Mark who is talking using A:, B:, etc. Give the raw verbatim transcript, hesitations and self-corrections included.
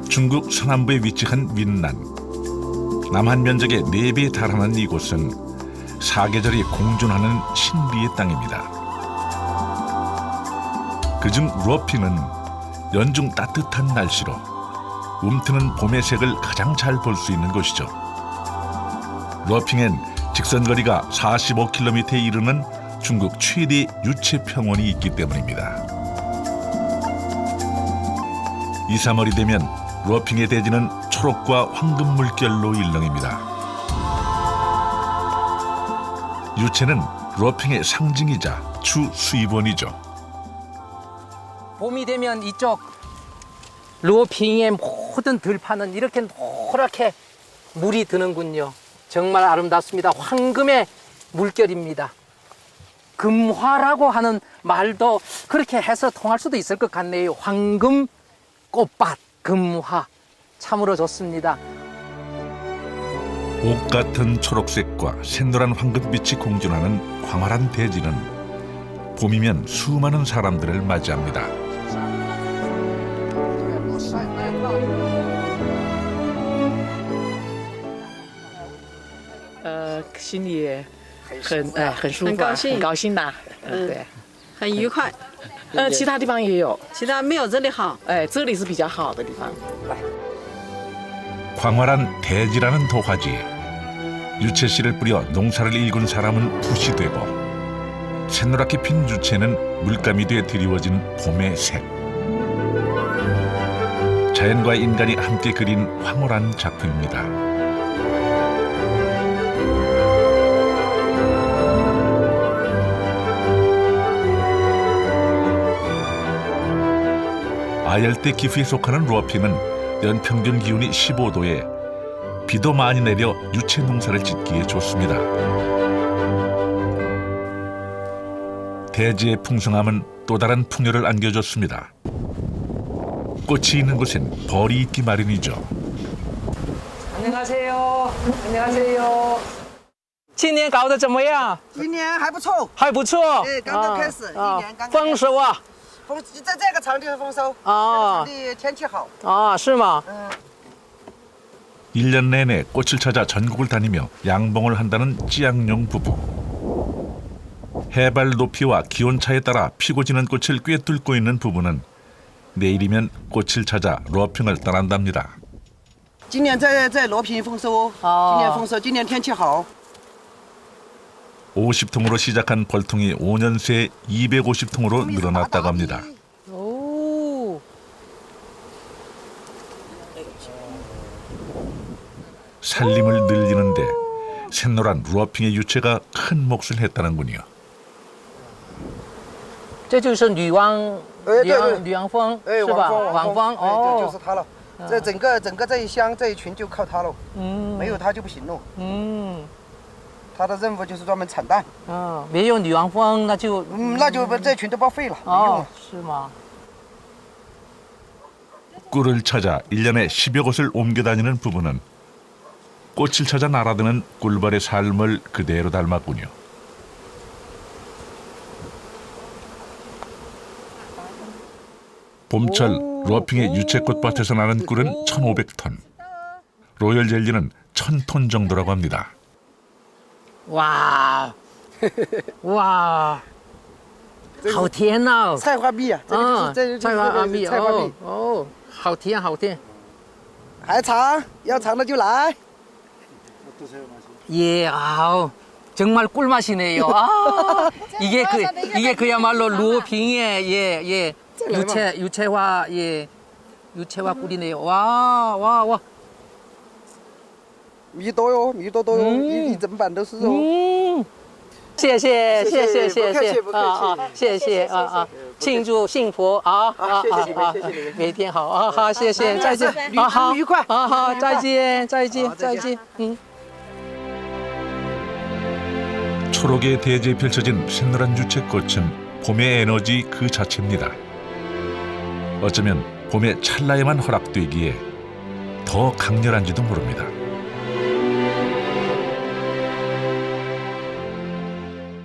A: 중국 서남부에 위치한 윈난. 남한 면적의 네 배에 달하는 이곳은 사계절이 공존하는 신비의 땅입니다. 그중 루어핑은 연중 따뜻한 날씨로 움트는 봄의 색을 가장 잘 볼 수 있는 곳이죠. 루어핑엔 직선거리가 사십오 킬로미터에 이르는 중국 최대 유채 평원이 있기 때문입니다. 이, 삼월이 되면 루어핑의 대지는 초록과 황금 물결로 일렁입니다. 유채는 루어핑의 상징이자 주 수입원이죠.
B: 봄이 되면 이쪽 루어핑의 모든 들판은 이렇게 노랗게 물이 드는군요. 정말 아름답습니다. 황금의 물결입니다. 금화라고 하는 말도 그렇게 해서 통할 수도 있을 것 같네요. 황금 꽃밭, 금화. 참으로 좋습니다.
A: 옥 같은 초록색과 샛노란 황금빛이 공존하는 광활한 대지는 봄이면 수많은 사람들을 맞이합니다.
C: 呃，心里很哎很舒服啊，
D: 很高兴
C: 很高兴呐。嗯，对。
D: 很愉快，
C: 呃，其他地方也有，
D: 其他没有这里好。
C: 哎，这里是比较好的地方。
A: 광활한 대지라는 도화지에 유채씨를 뿌려 농사를 일군 사람은 붓이 되고 샛노랗게 핀 유채는 물감이 돼 드리워진 봄의 색. 자연과 인간이 함께 그린 황홀한 작품입니다. 아열대 기후에 속하는 루어핑은 연평균 기온이 십오 도에 비도 많이 내려 유채 농사를 짓기에 좋습니다. 대지의 풍성함은 또 다른 풍요를 안겨줬습니다. 꽃이 있는 곳엔 벌이 있기 마련이죠.
B: 안녕하세요. 안녕하세요. 今年搞得怎么样？
E: 今年还不错，
B: 还不错。
E: 哎刚刚开始
B: 啊
E: 一年刚刚开始
B: 丰收啊！
E: 丰在这个场地是丰收，
B: 啊
E: 这个场地天气好，
B: 啊，是吗？
E: 嗯，
A: 일 년 내내 꽃을 찾아 전국을 다니며 양봉을 한다는 찌양용 부부. 해발 높이와 기온차에 따라 피고 지는 꽃을 꿰뚫고 있는 부부는 내일이면 꽃을 찾아 루어핑을 떠난답니다.
E: 今年在在罗平丰收，
B: 哦
E: 今年丰收，今年天气好，
A: 오십 통으로 시작한 벌통이 오 년 새 이백오십 통으로 늘어났다고 합니다.
B: 오.
A: 살림을 늘리는데 샛노란 루어핑의 유채가 큰 몫을 했다는군요.
B: 这就是女王
E: 哎对
B: 女王
E: 对
B: 女王蜂
E: 哎，
B: 是吧？
E: 王
B: 王蜂
E: 哎，对，就是
B: 哦，
E: 它了。这整个整个这一乡这一群就靠它喽，
B: 嗯
E: 没有它就不行喽。
B: 嗯
E: 它的任务就是专门产蛋，
B: 嗯，没有女王蜂那就
E: 嗯，那就把这群都报废了，没用
B: 哦
E: 了。，
B: 是吗？
A: 꿀을 찾아 일 년에 십여 곳을 옮겨 다니는 부부는 꽃을 찾아 날아드는 꿀벌의 삶을 그대로 닮았군요. 봄철 루어핑의 유채꽃밭에서 나는 꿀은 천오백 톤, 로열 젤리는 천 톤 정도라고 합니다.
B: 哇哇，好甜呐！
E: 菜花蜜啊，这个就是
B: 啊，
E: 这就是
B: 菜花阿
E: 这
B: 蜜
E: 个菜花蜜
B: 哦，哦，好甜好甜。
E: 还长，要长的就来。
B: 예, 아우, 정말 꿀맛이네요. 아, 이게 그 이게 그야말로 루어핑의 예, 예, 유채 유채화 예, 유채화 꿀이네요. 와, 와, 와.
E: 米多哟，米多多哟，
B: 嗯
E: 一一整板都是肉。
B: 음. 谢谢谢谢谢
E: 不客气
B: 谢
E: 不客气
B: 啊啊，谢谢啊啊，庆祝幸福啊啊
E: 谢谢你们
B: 啊
E: 谢谢你们
B: 每天好啊好，谢谢，再见，
E: 旅
B: 啊好
E: 途愉快
B: 啊好，再见再见
E: 好再见
B: 再见，嗯。
A: 초록의 대지에 펼쳐진 샛노란 유채꽃은 봄의 에너지 그 자체입니다. 어쩌면 봄의 찰나에만 허락되기에 더 강렬한지도 모릅니다.